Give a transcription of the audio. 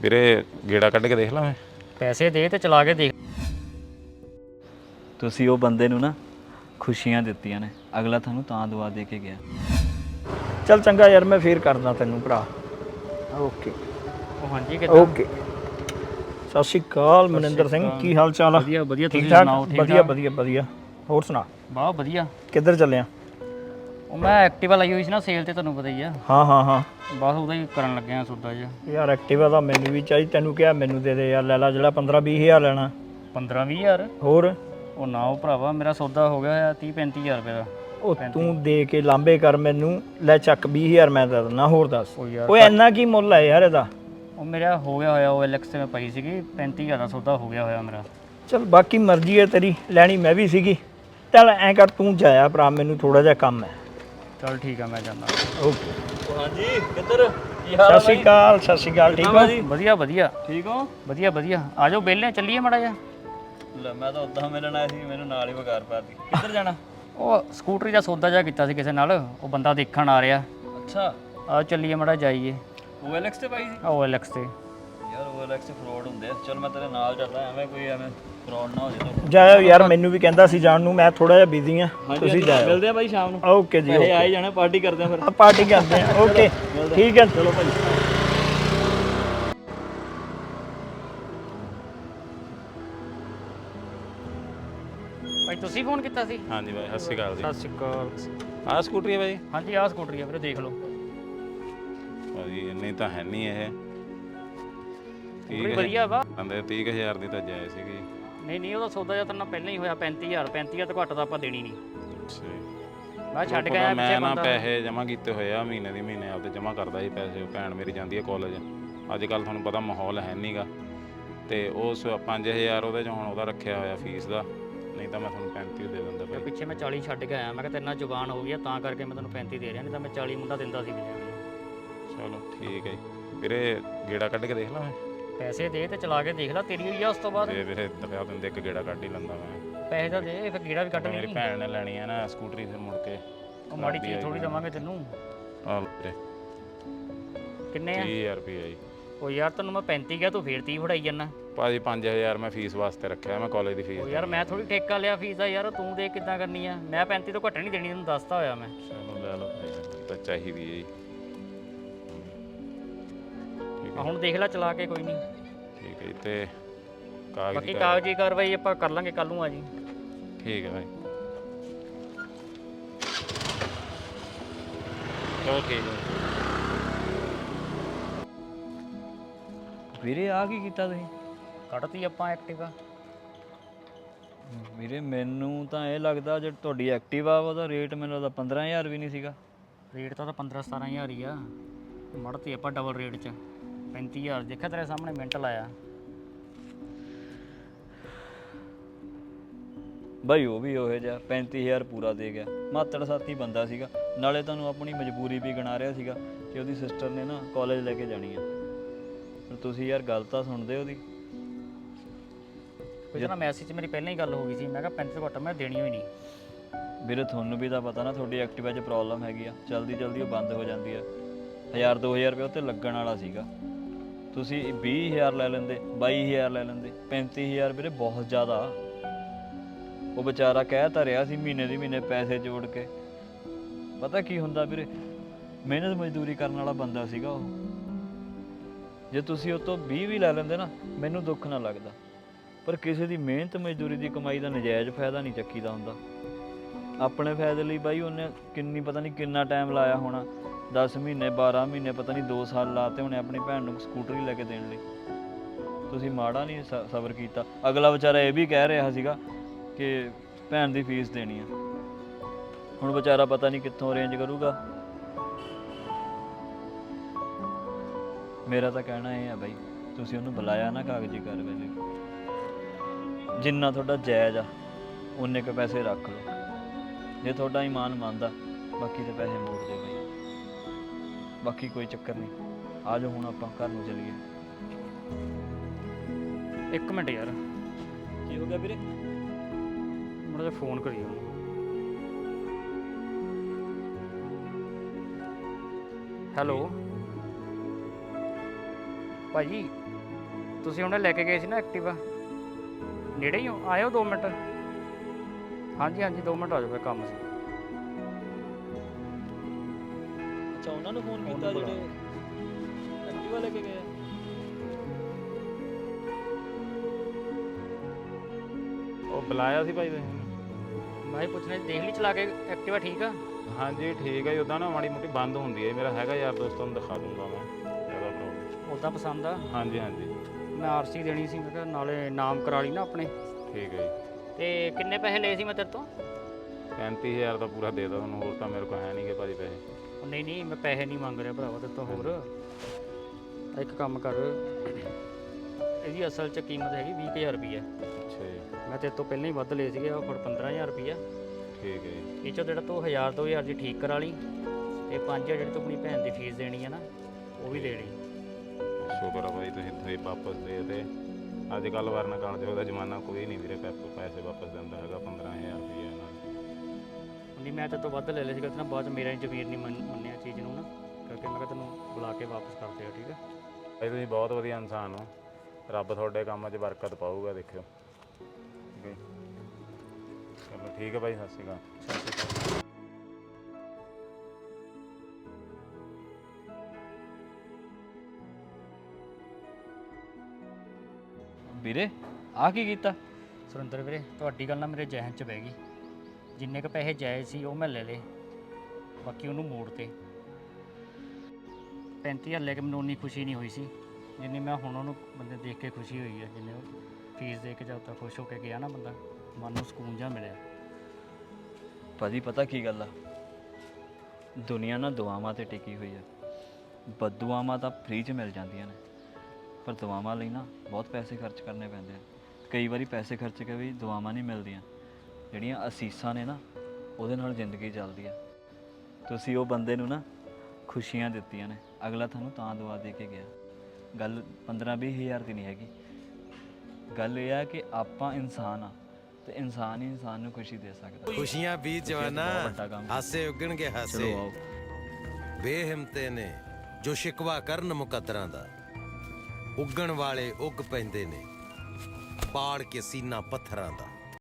ਵੀਰੇ ਗੇੜਾ ਕੱਢ ਕੇ ਦੇਖ ਲਾਂ ਮੈਂ। ਪੈਸੇ ਦੇ ਤੇ ਚਲਾ ਕੇ ਦੇਖ। ਤੁਸੀਂ ਉਹ ਬੰਦੇ ਨੂੰ ਨਾ ਖੁਸ਼ੀਆਂ ਦਿੱਤੀਆਂ ਨੇ, ਅਗਲਾ ਤੁਹਾਨੂੰ ਤਾਂ ਦੁਆ ਦੇ ਕੇ ਗਿਆ। ਚੱਲ ਚੰਗਾ ਯਾਰ, ਮੈਂ ਫੇਰ ਕਰਦਾ ਤੈਨੂੰ ਭਰਾ। ਓਕੇ ਉਹ ਹਾਂਜੀ ਕਿੱਦਾਂ? ਓਕੇ। ਸਤਿ ਸ਼੍ਰੀ ਅਕਾਲ ਮਨਿੰਦਰ ਸਿੰਘ, ਕੀ ਹਾਲ ਚਾਲ ਆ? ਵਧੀਆ ਵਧੀਆ, ਠੀਕ ਤੁਸੀਂ ਠਾਕ? ਸੁਣਾਓ? ਠੀਕ ਵਧੀਆ ਵਧੀਆ ਵਧੀਆ। ਹੋਰ ਸੁਣਾ, ਬਹੁਤ ਵਧੀਆ। ਕਿੱਧਰ ਚੱਲਿਆ? ਉਹ ਮੈਂ ਐਕਟਿਵਾ ਲਈ ਹੋਈ ਸੀ ਨਾ ਸੇਲ ਤੇ, ਤੁਹਾਨੂੰ ਪਤਾ ਹੀ ਆ। ਹਾਂ ਹਾਂ ਹਾਂ ਬਸ ਉਹਦਾ ਹੀ ਕਰਨ ਲੱਗਿਆ ਸੌਦਾ ਜਿਹਾ। ਯਾਰ ਐਕਟਿਵਾ ਤਾਂ ਮੈਨੂੰ ਵੀ ਚਾਹੀਦੀ, ਤੈਨੂੰ ਕਿਹਾ ਮੈਨੂੰ ਦੇ ਦੇ ਯਾਰ, ਲੈ ਲਾ ਜਿਹੜਾ 15-20 ਹਜ਼ਾਰ ਲੈਣਾ। 15-20 ਹਜ਼ਾਰ? ਹੋਰ ਉਹ ਨਾ ਉਹ ਭਰਾਵਾ, ਮੇਰਾ ਸੌਦਾ ਹੋ ਗਿਆ 30-35 ਹਜ਼ਾਰ ਰੁਪਏ ਦਾ। ਉਹ ਤੂੰ ਦੇ ਕੇ ਲਾਂਬੇ ਕਰ ਮੈਨੂੰ, ਲੈ ਚੱਕ 20 ਹਜ਼ਾਰ ਮੈਂ ਦੇ ਦਿੰਦਾ। ਹੋਰ ਦੱਸ, ਉਹ ਯਾਰ ਓਏ ਇੰਨਾ ਕੀ ਮੁੱਲ ਹੈ ਯਾਰ ਇਹਦਾ? ਉਹ ਮੇਰਾ ਹੋ ਗਿਆ ਹੋਇਆ, ਉਹ ਐਲਐਕਸ ਤੇ ਮੈਂ ਪਈ ਸੀਗੀ, 35 ਹਜ਼ਾਰ ਦਾ ਸੌਦਾ ਹੋ ਗਿਆ ਹੋਇਆ ਮੇਰਾ। ਚਲ ਬਾਕੀ ਮਰਜ਼ੀ ਹੈ ਤੇਰੀ, ਲੈਣੀ ਮੈਂ ਵੀ ਸੀਗੀ। ਚੱਲ ਐਂ ਕਰ, ਤੂੰ ਜਾਇਆ ਭਰਾ, ਮੈਨੂੰ ਥੋੜਾ ਜਿਹਾ ਕੰਮ ਹੈ। ਚਲ ਠੀਕ ਆ, ਮੈਂ ਜਾਂਦਾ। ਓਕੇ। ਹਾਂਜੀ, ਕਿੱਧਰ? ਸਤਿ ਸ਼੍ਰੀ ਅਕਾਲ। ਸਤਿ ਸ਼੍ਰੀ ਅਕਾਲ। ਠੀਕ ਹੋ? ਵਧੀਆ ਵਧੀਆ ਠੀਕ ਹੋ? ਵਧੀਆ ਵਧੀਆ। ਆ ਜਾਓ ਵਿਹਲੇ, ਚੱਲੀਏ ਮਾੜਾ ਜਿਹਾ। ਲੈ ਮੈਂ ਤਾਂ ਉਦਾਂ ਮਿਲਣ ਆਇਆ ਸੀ, ਮੈਨੂੰ ਨਾਲ ਹੀ ਵਗਾਰ ਪਾਤੀ। ਕਿੱਧਰ ਜਾਣਾ? ਉਹ ਸਕੂਟਰੀ ਦਾ ਸੌਦਾ ਜਿਹਾ ਕੀਤਾ ਸੀ ਕਿਸੇ ਨਾਲ, ਉਹ ਬੰਦਾ ਦੇਖਣ ਆ ਰਿਹਾ। ਅੱਛਾ, ਆ ਚੱਲੀਏ ਮਾੜਾ ਜਾਈਏ। OLX ਤੇ ਪਾਈ ਸੀ? ਉਹ ਐਲਐਕਸ ਤੇ। ਯਾਰ OLX ਤੇ ਫਰਾਡ ਹੁੰਦੇ ਆ। ਚਲ ਮੈਂ ਤੇਰੇ ਨਾਲ ਚੱਲਦਾ, ਐਵੇਂ ਕੋਈ ਫਰਾਡ ਨਾ ਹੋ ਜਾਏ। ਜਾਇਓ ਯਾਰ, ਮੈਨੂੰ ਵੀ ਕਹਿੰਦਾ ਸੀ ਜਾਣ ਨੂੰ, ਮੈਂ ਥੋੜਾ ਜਿਹਾ ਬਿਜ਼ੀ ਆ। ਤੁਸੀਂ ਜਾਇਓ। ਮਿਲਦੇ ਆ ਬਾਈ ਸ਼ਾਮ ਨੂੰ। ਓਕੇ ਜੀ, ਪੈਸੇ ਆਏ ਜਾਣੇ, ਪਾਰਟੀ ਕਰਦੇ ਆ ਫਿਰ। ਪਾਰਟੀ ਕਰਦੇ ਆ। ਓਕੇ ਠੀਕ ਹੈ, ਚਲੋ ਭਾਈ। ਭਾਈ ਤੁਸੀਂ ਫੋਨ ਕੀਤਾ ਸੀ? ਹਾਂਜੀ ਬਾਈ, ਸਤਿ ਸ਼੍ਰੀ ਅਕਾਲ ਜੀ। ਸਤਿ ਸ਼੍ਰੀ ਅਕਾਲ। ਆਹ ਸਕੂਟਰੀ ਹੈ ਬਾਈ? ਹਾਂਜੀ ਆਹ ਸਕੂਟਰੀ ਆ ਵੀਰੇ, ਦੇਖ ਲਓ। ਭਾਜੀ ਇੰਨੀ ਤਾਂ ਹੈ ਨਹੀਂ ਇਹ। ਸਕੂਟਰੀ ਵਧੀਆ ਵਾ। ਕਹਿੰਦੇ 30,000 ਦੀ ਤਾਂ ਜਾਇ ਸੀਗੀ। ਨਹੀਂ ਨਹੀਂ, ਉਹਦਾ ਸੌਦਾ ਜਿਹਾ ਤਾਂ ਨਾ ਪਹਿਲਾਂ ਹੀ ਹੋਇਆ 35,000। 35,000 ਤੋਂ ਘੱਟ ਤਾਂ ਆਪਾਂ ਦੇਣੀ ਨਹੀਂ। ਅੱਛਾ, ਮੈਂ ਛੱਡ ਕੇ ਆਇਆ ਮੈਂ ਪਿੱਛੇ ਨਾ ਬੰਦਾ। ਪੈਸੇ ਜਮ੍ਹਾਂ ਕੀਤੇ ਹੋਏ ਆ, ਮਹੀਨੇ ਦੀ ਮਹੀਨੇ ਆਪਦੇ ਜਮ੍ਹਾਂ ਕਰਦਾ ਸੀ ਪੈਸੇ। ਉਹ ਭੈਣ ਮੇਰੀ ਜਾਂਦੀ ਹੈ ਕਾਲਜ। ਅੱਜ ਕੱਲ੍ਹ ਤੁਹਾਨੂੰ ਪਤਾ ਮਾਹੌਲ ਹੈ ਨਹੀਂਗਾ, ਤੇ ਉਸ 5,000 ਉਹਦੇ 'ਚ ਹੁਣ ਉਹਦਾ ਰੱਖਿਆ ਹੋਇਆ ਫੀਸ ਦਾ, ਨਹੀਂ ਤਾਂ ਮੈਂ ਤੁਹਾਨੂੰ 35 ਦੇ ਦਿੰਦਾ ਤੇ ਭਾਈ। ਪਿੱਛੇ ਮੈਂ 40 ਛੱਡ ਕੇ ਆਇਆ। ਮੈਂ ਕਿਹਾ ਤੇਰੇ ਨਾਲ ਜ਼ੁਬਾਨ ਹੋ ਗਈ ਆ, ਤਾਂ ਕਰਕੇ ਮੈਂ ਤੈਨੂੰ 35 ਦੇ ਰਿਹਾ, ਨਹੀਂ ਤਾਂ ਮੈਂ 40 ਮੁੰਡਾ ਦਿੰਦਾ ਸੀ ਵੀਰੇ। ਚਲੋ ਠੀਕ ਹੈ ਜੀ ਵੀਰੇ, ਗੇੜਾ ਕੱਢ ਕੇ ਦੇਖ ਲਾਂ ਮੈਂ। ਪੈਸੇ ਦੇ ਤੇ ਚਲਾ ਕੇ ਦੇਖ ਲੈ, ਤੇਰੀ ਹੋਈ ਆ ਉਸ ਤੋਂ ਬਾਅਦ। ਤੇ ਵੀਰੇ ਦਰਿਆ ਦਿੰਦੇ ਇੱਕ ਗੇੜਾ ਕੱਢ ਹੀ ਲੈਂਦਾ ਮੈਂ। ਪੈਸੇ ਤਾਂ ਦੇ, ਫਿਰ ਗੇੜਾ ਵੀ ਕੱਢ ਮੇਰੀ ਲਈ। ਭੈਣ ਨੇ ਲੈਣੀ ਹੈ ਨਾ ਸਕੂਟਰੀ, ਫਿਰ ਮੁੜ ਕੇ ਉਹ ਮਾੜੀ ਚੀਜ਼ ਥੋੜੀ ਦੇਵਾਂਗੇ ਤੈਨੂੰ। ਆ ਵੀਰੇ ਕਿੰਨੇ ਆ? 30,000 ਰੁਪਏ ਜੀ। ਉਹ ਯਾਰ ਤੈਨੂੰ ਮੈਂ 35 ਕਿਹਾ, ਤੂੰ ਫੇਰ 30 ਫੜਾਈ ਜਾਂਦਾ। ਭਾਜੀ 5,000 ਮੈਂ ਫੀਸ ਵਾਸਤੇ ਰੱਖਿਆ, ਮੈਂ ਕਾਲਜ ਦੀ ਉਹ ਫੀਸ। ਯਾਰ ਮੈਂ ਥੋੜੀ ਠੇਕਾ ਲਿਆ ਫੀਸ ਦਾ ਯਾਰ, ਤੂੰ ਦੇ ਕਿੱਦਾਂ ਕਰਨੀ ਆ? ਮੈਂ 35 ਤੋਂ ਘੱਟ ਨਹੀਂ ਦੇਣੀ, ਤੈਨੂੰ ਦੱਸਤਾ ਹੋਇਆ ਮੈਂ। ਚਲੋ ਲੈ ਲਓ ਭਾਈ, ਤਾਂ ਚਾਹੀਦੀ ਹੈ ਜੀ। ਆ ਹੁਣ ਦੇਖ ਲੈ ਚਲਾ ਕੇ, ਕੋਈ ਨਹੀਂ। ਠੀਕ ਹੈ ਜੀ, ਤੇ ਕਾਗਜ਼ ਬਾਕੀ ਕਾਗਜ਼ੀ ਕਾਰਵਾਈ ਆਪਾਂ ਕਰ ਲਾਂਗੇ ਕੱਲ ਨੂੰ। ਆ ਜੀ। ਠੀਕ ਹੈ ਭਾਈ, ਚਲੋ ਠੀਕ ਹੈ। ਵੀਰੇ ਆ ਕੀ ਕੀਤਾ ਤੁਸੀਂ? ਕੱਢਤੀ ਆਪਾਂ ਐਕਟਿਵਾ। ਵੀਰੇ ਮੈਨੂੰ ਤਾਂ ਇਹ ਲੱਗਦਾ ਜੇ ਤੁਹਾਡੀ ਐਕਟਿਵਾ ਉਹਦਾ ਰੇਟ ਮੈਨੂੰ ਲੱਗਦਾ 15,000 ਵੀ ਨਹੀਂ ਸੀਗਾ। ਰੇਟ ਤਾਂ 15-17 ਹੀ ਆ। ਮੜਤੀ ਆਪਾਂ ਡਬਲ ਰੇਟ 'ਚ 35,000 ਦੇਖਿਆ ਤੇਰੇ ਸਾਹਮਣੇ ਮਿੰਟ ਲਾਇਆ। ਬਾਈ ਉਹ ਵੀ ਉਹੋ ਜਿਹਾ 35,000 ਪੂਰਾ ਦੇ ਗਿਆ। ਮਾਤੜ ਸਾਥੀ ਬੰਦਾ ਸੀਗਾ, ਨਾਲੇ ਤੁਹਾਨੂੰ ਆਪਣੀ ਮਜਬੂਰੀ ਵੀ ਗਿਣਾ ਰਿਹਾ ਸੀਗਾ ਕਿ ਉਹਦੀ ਸਿਸਟਰ ਨੇ ਨਾ ਕਾਲਜ ਲੈ ਕੇ ਜਾਣੀ ਆ। ਪਰ ਤੁਸੀਂ ਯਾਰ ਗੱਲ ਤਾਂ ਸੁਣਦੇ ਉਹਦੀ। ਕੋਈ ਨਾ ਮੈਸੇਜ 'ਚ ਮੇਰੀ ਪਹਿਲਾਂ ਹੀ ਗੱਲ ਹੋ ਗਈ ਸੀ, ਮੈਂ ਕਿਹਾ 35 ਤੋਂ ਘੱਟ ਮੈਂ ਦੇਣੀ ਹੋਈ ਨਹੀਂ। ਵੀਰੇ ਤੁਹਾਨੂੰ ਵੀ ਤਾਂ ਪਤਾ ਨਾ ਤੁਹਾਡੀ ਐਕਟਿਵਾ 'ਚ ਪ੍ਰੋਬਲਮ ਹੈਗੀ ਆ, ਜਲਦੀ ਜਲਦੀ ਉਹ ਬੰਦ ਹੋ ਜਾਂਦੀ ਆ। 1,000-2,000 ਰੁਪਏ ਉੱਤੇ ਲੱਗਣ ਵਾਲਾ ਸੀਗਾ, ਤੁਸੀਂ 20,000 ਲੈ ਲੈਂਦੇ, 22,000 ਲੈ ਲੈਂਦੇ। 35,000 ਵੀਰੇ ਬਹੁਤ ਜ਼ਿਆਦਾ। ਉਹ ਵਿਚਾਰਾ ਕਹਿ ਤਾਂ ਰਿਹਾ ਸੀ ਮਹੀਨੇ ਦੀ ਮਹੀਨੇ ਪੈਸੇ ਜੋੜ ਕੇ। ਪਤਾ ਕੀ ਹੁੰਦਾ ਵੀਰੇ, ਮਿਹਨਤ ਮਜ਼ਦੂਰੀ ਕਰਨ ਵਾਲਾ ਬੰਦਾ ਸੀਗਾ ਉਹ। ਜੇ ਤੁਸੀਂ ਉਹ ਤੋਂ 20 ਵੀ ਲੈ ਲੈਂਦੇ ਨਾ, ਮੈਨੂੰ ਦੁੱਖ ਨਾ ਲੱਗਦਾ। ਪਰ ਕਿਸੇ ਦੀ ਮਿਹਨਤ ਮਜ਼ਦੂਰੀ ਦੀ ਕਮਾਈ ਦਾ ਨਜਾਇਜ਼ ਫਾਇਦਾ ਨਹੀਂ ਚੱਕੀਦਾ ਹੁੰਦਾ। ਆਪਣੇ ਫਾਇਦੇ ਲਈ ਬਾਈ ਉਹਨੇ ਪਤਾ ਨਹੀਂ ਕਿੰਨਾ ਟਾਈਮ ਲਾਇਆ ਹੋਣਾ, 10 ਮਹੀਨੇ 12 ਮਹੀਨੇ, ਪਤਾ ਨਹੀਂ 2 ਸਾਲ ਲਾਤੇ ਹੋਣੇ ਆਪਣੀ ਭੈਣ ਨੂੰ ਸਕੂਟਰੀ ਲੈ ਕੇ ਦੇਣ ਲਈ। ਤੁਸੀਂ ਮਾੜਾ ਨਹੀਂ ਸਬਰ ਕੀਤਾ। ਅਗਲਾ ਵਿਚਾਰਾ ਇਹ ਵੀ ਕਹਿ ਰਿਹਾ ਸੀਗਾ ਕਿ ਭੈਣ ਦੀ ਫੀਸ ਦੇਣੀ ਆ। ਹੁਣ ਵਿਚਾਰਾ ਪਤਾ ਨਹੀਂ ਕਿੱਥੋਂ ਅਰੇਂਜ ਕਰੂਗਾ। ਮੇਰਾ ਤਾਂ ਕਹਿਣਾ ਇਹ ਆ ਬਾਈ, ਤੁਸੀਂ ਉਹਨੂੰ ਬੁਲਾਇਆ ਨਾ ਕਾਗਜ਼ੀ ਕਾਰਵਾਈ ਲਈ, ਜਿੰਨਾ ਤੁਹਾਡਾ ਜਾਇਜ਼ ਆ ਉਨੇ ਕੁ ਪੈਸੇ ਰੱਖ ਲਓ। ਜੇ ਤੁਹਾਡਾ ਈਮਾਨ ਮੰਨਦਾ, ਬਾਕੀ ਦੇ ਪੈਸੇ ਮੋੜ ਦਿਓ ਬਾਈ। ਬਾਕੀ ਕੋਈ ਚੱਕਰ ਨਹੀਂ। ਆ ਜਾਓ ਹੁਣ ਆਪਾਂ ਘਰ ਨੂੰ ਚੱਲੀਏ। ਇੱਕ ਮਿੰਟ ਯਾਰ, ਕੀ ਹੋ ਗਿਆ ਵੀਰੇ? ਮੁੰਡੇ ਫੋਨ ਕਰੀ ਉਹਨੂੰ। ਹੈਲੋ ਭਾਜੀ, ਤੁਸੀਂ ਹੁਣੇ ਲੈ ਕੇ ਗਏ ਸੀ ਨਾ ਐਕਟਿਵਾ, ਨੇੜੇ ਹੀ ਹੋ, ਆਇਓ 2 ਮਿੰਟ। ਹਾਂਜੀ ਹਾਂਜੀ 2 ਮਿੰਟ ਆ ਜਾਓ, ਫਿਰ ਕੰਮ ਸੀ। ਅੱਛਾ ਉਹਨਾਂ ਨੂੰ ਫੋਨ ਉਹਨੂੰ ਕੀਤਾ ਬੁਲਾ। ਜਿਹੜੇ ਐਕਟਿਵਾ ਲੈ ਕੇ ਗਏ ਆ? ਉਹ ਬੁਲਾਇਆ ਸੀ ਭਾਈ ਤੁਸੀਂ ਮੈਨੂੰ? ਮੈਂ ਹੀ ਪੁੱਛਣਾ ਸੀ, ਦੇਖ ਲਈ ਚਲਾ ਕੇ ਐਕਟਿਵਾ ਠੀਕ ਆ? ਹਾਂਜੀ ਠੀਕ ਹੈ ਜੀ। ਉੱਦਾਂ ਨਾ ਮਾੜੀ ਮੋਟੀ ਬੰਦ ਹੁੰਦੀ ਹੈ। ਮੇਰਾ ਹੈਗਾ ਯਾਰ ਦੋਸਤ, ਨੂੰ ਦਿਖਾ ਦੂੰਗਾ ਮੈਂ, ਜ਼ਿਆਦਾ ਪ੍ਰੋਬਲਮ। ਉੱਦਾਂ ਪਸੰਦ ਆ? ਹਾਂਜੀ ਹਾਂਜੀ ਮੈਂ ਆਰਸੀ ਦੇਣੀ ਸੀ, ਮੈਂ ਕਿਹਾ ਨਾਲੇ ਨਾਮ ਕਰਾ ਲਈ ਨਾ ਆਪਣੇ। ਠੀਕ ਹੈ ਜੀ। ਤੇ ਕਿੰਨੇ ਪੈਸੇ ਲਏ ਸੀ ਮੈਂ ਤੇਰੇ ਤੋਂ? 35,000 ਦਾ ਪੂਰਾ ਦੇ ਤਾ ਤੁਹਾਨੂੰ, ਹੋਰ ਤਾਂ ਮੇਰੇ ਕੋਲ ਹੈ ਨਹੀਂਗੇ ਭਾਜੀ ਪੈਸੇ। ਉਹ ਨਹੀਂ ਨਹੀਂ, ਮੈਂ ਪੈਸੇ ਨਹੀਂ ਮੰਗ ਰਿਹਾ ਭਰਾਵਾ ਤੇਰੇ ਤੋਂ ਹੋਰ। ਤਾਂ ਇੱਕ ਕੰਮ ਕਰ, ਇਹਦੀ ਅਸਲ 'ਚ ਕੀਮਤ ਹੈਗੀ 20,000 ਰੁਪਈਆ। ਅੱਛਾ ਜੀ। ਮੈਂ ਤੇਰੇ ਤੋਂ ਪਹਿਲਾਂ ਹੀ ਵੱਧ ਲਏ ਸੀਗੇ, ਉਹ ਫਿਰ 15,000 ਰੁਪਈਆ। ਠੀਕ ਹੈ ਜੀ। ਇਹ 'ਚੋਂ ਜਿਹੜਾ ਤੂੰ 1000-2000 ਦੀ ਠੀਕ ਕਰਾ ਲਈ, ਤੇ 5,000 ਜਿਹੜੀ ਤੂੰ ਆਪਣੀ ਭੈਣ ਦੀ ਫੀਸ ਦੇਣੀ ਹੈ ਨਾ, ਉਹ ਵੀ ਦੇ ਲਈ। ਸ਼ੁਕਰ ਆ ਭਾਈ ਤੁਸੀਂ ਵਾਪਸ ਦੇ ਤੇ। ਅੱਜ ਕੱਲ੍ਹ ਵਰਨ ਕਾਲ ਦਾ ਜ਼ਮਾਨਾ, ਕੋਈ ਨਹੀਂ ਵੀਰੇ ਪੈਸੇ ਵਾਪਸ ਦਿੰਦਾ ਹੈਗਾ 15,000 ਰੁਪਈਆ ਨਾਲ। ਨਹੀਂ ਮੈਂ ਤੇਰੇ ਤੋਂ ਵੱਧ ਲੈ ਲਿਆ ਸੀਗਾ ਤੇ ਨਾ ਬਾਅਦ 'ਚ ਮੇਰਾ ਹੀ ਜ਼ਮੀਰ ਨਹੀਂ ਮੰਨਿਆ ਚੀਜ਼ ਨੂੰ ਨਾ, ਕਰਕੇ ਮੈਂ ਕਿਹਾ ਤੈਨੂੰ ਬੁਲਾ ਕੇ ਵਾਪਸ ਕਰ ਦਿਆ। ਠੀਕ ਹੈ ਭਾਈ ਤੁਸੀਂ ਬਹੁਤ ਵਧੀਆ ਇਨਸਾਨ ਹੋ, ਰੱਬ ਤੁਹਾਡੇ ਕੰਮਾਂ 'ਚ ਬਰਕਤ ਪਾਊਗਾ, ਦੇਖਿਓ। ਠੀਕ ਹੈ ਜੀ। ਚਲੋ ਠੀਕ ਹੈ ਭਾਈ, ਸਤਿ ਸ਼੍ਰੀ ਅਕਾਲ। ਵੀਰੇ ਆਹ ਕੀ ਕੀਤਾ? ਸੁਰਿੰਦਰ ਵੀਰੇ, ਤੁਹਾਡੀ ਗੱਲ ਨਾ ਮੇਰੇ ਜ਼ਿਹਨ 'ਚ ਬਹਿ ਗਈ। ਜਿੰਨੇ ਕੁ ਪੈਸੇ ਜਾਇਜ਼ ਸੀ ਉਹ ਮੈਂ ਲੈ ਲਏ, ਬਾਕੀ ਉਹਨੂੰ ਮੋੜ ਤੇ। 35,000 ਲੈ ਕੇ ਮੈਨੂੰ ਉਨੀ ਖੁਸ਼ੀ ਨਹੀਂ ਹੋਈ ਸੀ ਜਿੰਨੀ ਮੈਂ ਹੁਣ ਉਹਨੂੰ ਬੰਦੇ ਦੇਖ ਕੇ ਖੁਸ਼ੀ ਹੋਈ ਹੈ। ਜਿੰਨੇ ਉਹ ਫੀਸ ਦੇ ਕੇ ਜਦ ਤੱਕ ਖੁਸ਼ ਹੋ ਕੇ ਗਿਆ ਨਾ ਬੰਦਾ, ਮਨ ਨੂੰ ਸਕੂਨ ਜਿਹਾ ਮਿਲਿਆ। ਭਾਜੀ ਪਤਾ ਕੀ ਗੱਲ ਆ, ਦੁਨੀਆ ਨਾ ਦੁਆਵਾਂ ਤੇ ਟਿਕੀ ਹੋਈ ਆ। ਬਦਦੁਆਵਾਂ ਤਾਂ ਫ੍ਰੀ 'ਚ ਮਿਲ ਜਾਂਦੀਆਂ ਨੇ, ਪਰ ਦੁਆਵਾਂ ਲਈ ਨਾ ਬਹੁਤ ਪੈਸੇ ਖਰਚ ਕਰਨੇ ਪੈਂਦੇ ਆ। ਕਈ ਵਾਰੀ ਪੈਸੇ ਖਰਚ ਕੇ ਵੀ ਦੁਆਵਾਂ ਨਹੀਂ ਮਿਲਦੀਆਂ। ਜਿਹੜੀਆਂ ਅਸੀਸਾਂ ਨੇ ਨਾ, ਉਹਦੇ ਨਾਲ ਜ਼ਿੰਦਗੀ ਚੱਲਦੀ ਆ। ਤੁਸੀਂ ਉਹ ਬੰਦੇ ਨੂੰ ਨਾ ਖੁਸ਼ੀਆਂ ਦਿੱਤੀਆਂ ਨੇ, ਅਗਲਾ ਤੁਹਾਨੂੰ ਤਾਂ ਦੁਆ ਦੇ ਕੇ ਗਿਆ। ਗੱਲ 15-20 ਹਜ਼ਾਰ ਦੀ ਨਹੀਂ ਹੈਗੀ। ਗੱਲ ਇਹ ਆ ਕਿ ਆਪਾਂ ਇਨਸਾਨ ਆ, ਤੇ ਇਨਸਾਨ ਹੀ ਇਨਸਾਨ ਨੂੰ ਖੁਸ਼ੀ ਦੇ ਸਕਦਾ। ਖੁਸ਼ੀਆਂ ਵੀ ਜਵਾਨਾ, ਵੱਡਾ ਕੰਮ। ਹਾਸੇ ਉੱਗਣਗੇ ਹਾਸੇ। ਚਲੋ ਆਓ। ਬੇਹਿੰਮਤੇ ਨੇ ਜੋ ਸ਼ਿਕਵਾ ਕਰਨ ਮੁਕੱਦਰਾਂ ਦਾ, ਉੱਗਣ ਵਾਲੇ ਉੱਗ ਪੈਂਦੇ ਨੇ ਪਾੜ ਕੇ ਸੀਨਾ ਪੱਥਰਾਂ ਦਾ।